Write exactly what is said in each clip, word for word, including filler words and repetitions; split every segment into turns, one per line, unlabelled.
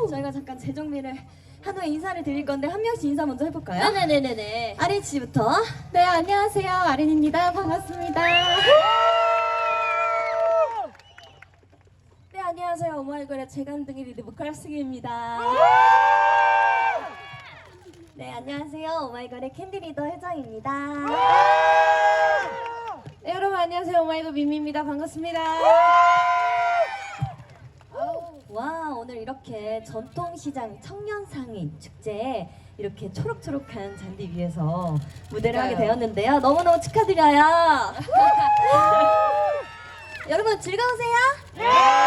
저희가 잠깐 재정비를 한 후에 인사를 드릴 건데 한 명씩 인사 먼저 해볼까요?
네네네네.
아린 씨부터.
네, 안녕하세요. 아린입니다. 반갑습니다. 네, 안녕하세요. 오마이걸의 재간둥이 리드 보컬 승희입니다.
네, 안녕하세요. 오마이걸의 캔디 리더 혜정입니다.
네, 여러분 안녕하세요. 오마이걸 민미입니다. 반갑습니다.
와, 오늘 이렇게 전통시장 청년상인 축제에 이렇게 초록초록한 잔디 위에서 무대를 하게 되었는데요. 너무너무 축하드려요. 여러분 즐거우세요? 네!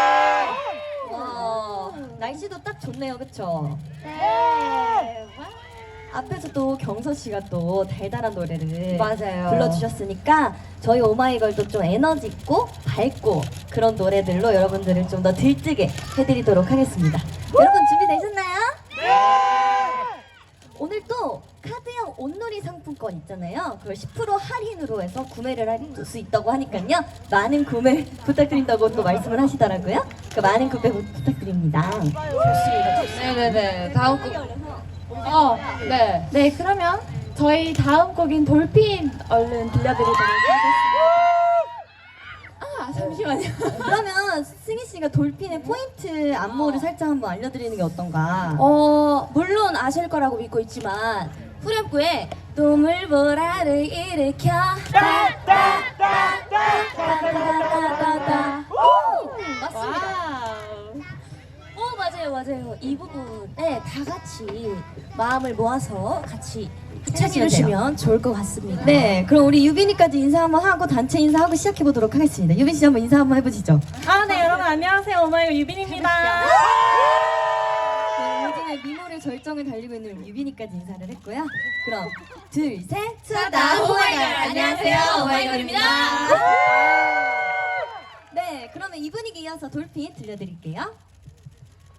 와, 날씨도 딱 좋네요, 그쵸?
네.
앞에서 또 경서 씨가 또 달달한 노래를
맞아요.
불러주셨으니까 저희 오마이걸도 좀 에너지 있고 밝고 그런 노래들로 여러분들을 좀 더 들뜨게 해드리도록 하겠습니다. 여러분 준비되셨나요? 네! 오늘 또 카드형 온놀이 상품권 있잖아요. 그걸 십 퍼센트 할인으로 해서 구매를 할 수 있다고 하니까요. 많은 구매 부탁드린다고 또 말씀을 하시더라고요. 그 많은 구매 부- 부탁드립니다.
좋습니다. 네네네. 다음 곡. 어, 네. 네, 그러면 저희 다음 곡인 돌핀 얼른 들려드리도록 하겠습니다. 아, 잠시만요.
그러면 승희 씨가 돌핀의 포인트 안무를 살짝 한번 알려드리는 게 어떤가?
어, 물론 아실 거라고 믿고 있지만 후렴구에 노물보라를 일으켜 따따따따따따따따 맞습니다. 오, 맞아요, 맞아요. 이 부분에 다 같이 마음을 모아서 같이
해주시면
해주시면 좋을 것 같습니다.
네, 그럼 우리 유빈이까지 인사 한번 하고 단체 인사하고 시작해 보도록 하겠습니다. 유빈 씨 한번 인사 한번 해보시죠.
아, 네, 여러분 안녕하세요. 오마이걸 유빈입니다.
네, 요즘에 미모를 절정을 달리고 있는 우리 유빈이까지 인사를 했고요. 그럼 둘, 셋,
수다 오마이걸. 안녕하세요, 오마이걸입니다.
네, 그러면 이 분위기 이어서 돌핀 들려드릴게요.